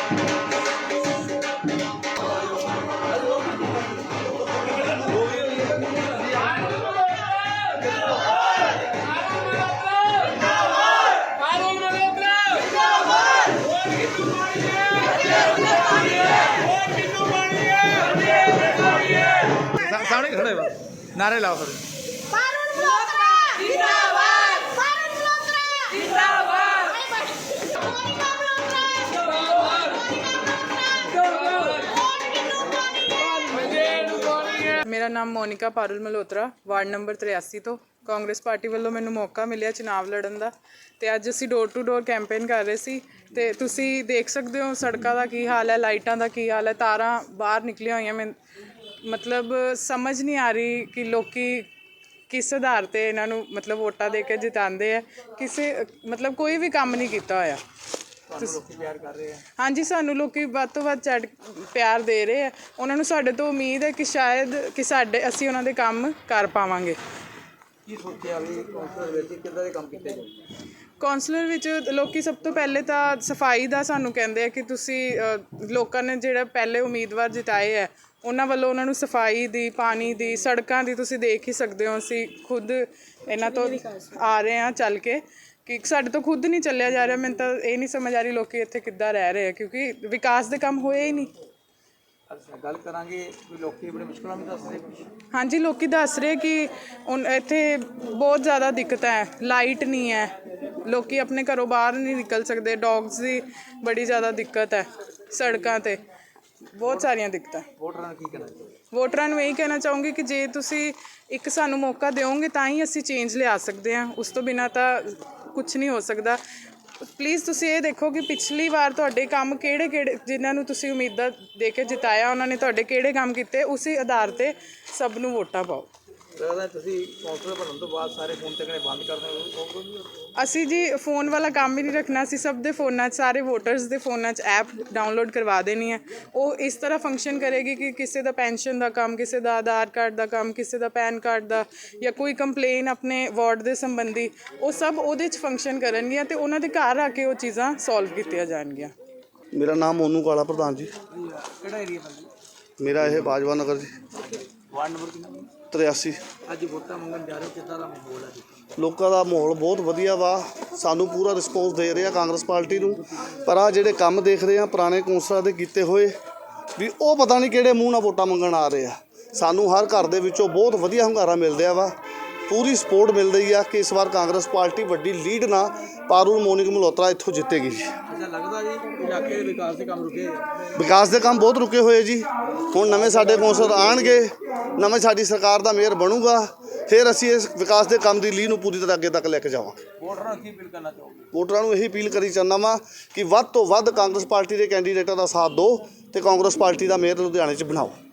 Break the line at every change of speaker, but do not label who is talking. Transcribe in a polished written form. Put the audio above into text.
सामने खड़े हो, नारे लाओ फिर।
मेरा नाम मोनिका पारुल मल्होत्रा, वार्ड नंबर 83 तो कांग्रेस पार्टी वालों मैनू मौका मिलिया चुनाव लड़न का। तो अज असी डोर टू डोर कैंपेन कर रहे सी ते तुसी देख सकते हो सड़कों का की हाल है, लाइटों का की हाल है, तारां बाहर निकलियां हुई। मैं मतलब समझ नहीं आ रही कि लोकी किस आधार पर इन्हों मतलब वोटा दे के जिताते हैं। किसी मतलब कोई भी काम नहीं किया होया। हाँ जी, सानू लोग वध तो वध चढ़ प्यार दे रहे हैं। उन्होंने साढ़े तो उम्मीद है कि शायद कि साढ़े असी उन्होंने काम कर पावांगे। कौंसलर विच लोकी सब तो पहले तो सफाई का सानू कहते हैं कि तुसी लोगों ने जिहड़े पहले उम्मीदवार जिताए है उन्होंने वालों उन्होंने सफाई दी, पानी दी, सड़कों की तुसी देख ही सकते हो। असी खुद इन्हां तो आ रहे हैं चल के कि साढ़े तो खुद नहीं चलिया जा रहा। मैंने तो ये नहीं समझ आ रही लोग इत्थे किद्दां रह रहे हैं क्योंकि विकास के काम होए ही नहीं।
गल करांगे लोकी बड़ी मुश्किल में दस रहे।
हाँ जी, लोग दस रहे कि इत्थे बहुत ज़्यादा दिक्कत है, लाइट नहीं है, लोग अपने घरों बाहर नहीं निकल सकते, डॉग्स की बड़ी ज़्यादा दिक्कत है, सड़कों पर बहुत सारिया दिक्कत। वोटरां नूं यही कहना चाहूँगी कि जे तुसी एक सानू मौका दोगे तो ही असी चेंज लिया सकते हैं, उस तो बिना तो कुछ नहीं हो सकता। प्लीज़ तुसी ये देखो कि पिछली बार तुहाडे काम किहड़े किहड़े जिन्हां नूं तुसी उम्मीदां दे के जिताया उन्होंने तुहाडे किहड़े काम कीते, उसी आधार ते सब नूं वोटां पाओ। असी जी फोन वाला काम ही नहीं रखना, असी सब दे फोनां सारे वोटर्स दे फोनां ऐप डाउनलोड करवा देनी है। वो इस तरह फंक्शन करेगी कि किसी का पेंशन का काम, किसी का आधार कार्ड का काम, किसी का पैन कार्ड का या कोई कंप्लेन अपने वार्ड के संबंधी वो सब उहदे च फंक्शन करनगियां ते उन्हां दे घर आके वो चीज़ां सॉल्व कीतियां जाणगियां।
मेरा नाम मोनू काला प्रधान जी। मेरा यह बाजवा नगर जी,
वार्ड नंबर
83।
ਅੱਜ ਵੋਟਾਂ ਮੰਗਣ ਜਾ ਰਹੇ ਹੋ, ਕਿੱਦਾਂ ਦਾ ਮਾਹੌਲ ਹੈ?
ਲੋਕਾਂ ਦਾ ਮਾਹੌਲ ਬਹੁਤ ਵਧੀਆ ਵਾ, ਸਾਨੂੰ ਪੂਰਾ ਰਿਸਪੌਂਸ ਦੇ ਰਹੇ ਆ ਕਾਂਗਰਸ ਪਾਰਟੀ ਨੂੰ। ਪਰ ਆ ਜਿਹੜੇ ਕੰਮ ਦੇਖ ਰਹੇ ਆ ਪੁਰਾਣੇ ਕੌਂਸਲਰਾਂ ਦੇ ਕੀਤੇ ਹੋਏ ਵੀ ਉਹ ਪਤਾ ਨਹੀਂ ਕਿਹੜੇ ਮੂੰਹ ਨਾਲ ਵੋਟਾਂ ਮੰਗਣ ਆ ਰਹੇ ਆ। ਸਾਨੂੰ ਹਰ ਘਰ ਦੇ ਵਿੱਚੋਂ ਬਹੁਤ ਵਧੀਆ ਹੁੰਗਾਰਾ ਮਿਲ ਰਿਹਾ ਵਾ, ਪੂਰੀ ਸਪੋਰਟ ਮਿਲ ਰਹੀ ਆ ਕਿ ਇਸ ਵਾਰ ਕਾਂਗਰਸ ਪਾਰਟੀ ਵੱਡੀ ਲੀਡ ਨਾਲ ਪਾਰੁਲ ਮੋਨਿਕ ਮਲਹੋਤਰਾ ਇੱਥੋਂ ਜਿੱਤੇਗੀ ਜੀ।
ਲੱਗਦਾ ਜੀ ਇਲਾਕੇ ਦੇ ਵਿਕਾਸ ਦੇ ਕੰਮ ਰੁਕੇ?
ਵਿਕਾਸ ਦੇ ਕੰਮ ਬਹੁਤ ਰੁਕੇ ਹੋਏ ਜੀ। ਹੁਣ ਨਵੇਂ ਸਾਡੇ ਕੌਂਸਲਰ ਆਣਗੇ, ਨਵੇਂ ਸਾਡੀ ਸਰਕਾਰ ਦਾ ਮੇਅਰ ਬਣੂਗਾ, ਫਿਰ ਅਸੀਂ ਇਸ ਵਿਕਾਸ ਦੇ ਕੰਮ ਦੀ ਲੀਹ ਨੂੰ ਪੂਰੀ ਤਰ੍ਹਾਂ ਅੱਗੇ ਤੱਕ ਲੈ ਕੇ ਜਾਵਾਂਗੇ।
ਵੋਟਰਾਂ ਨੂੰ ਕੀ ਅਪੀਲ ਕਰਨਾ ਚਾਹੋਗੇ?
ਵੋਟਰਾਂ ਨੂੰ ਇਹੀ ਅਪੀਲ ਕਰੀ ਚਾਹੁੰਦਾ ਵਾਂ ਕਿ ਵੱਧ ਤੋਂ ਵੱਧ ਕਾਂਗਰਸ ਪਾਰਟੀ ਦੇ ਕੈਂਡੀਡੇਟਾਂ ਦਾ ਸਾਥ ਦਿਓ ਤੇ ਕਾਂਗਰਸ ਪਾਰਟੀ ਦਾ ਮੇਅਰ ਲੁਧਿਆਣੇ 'ਚ ਬਣਾਓ।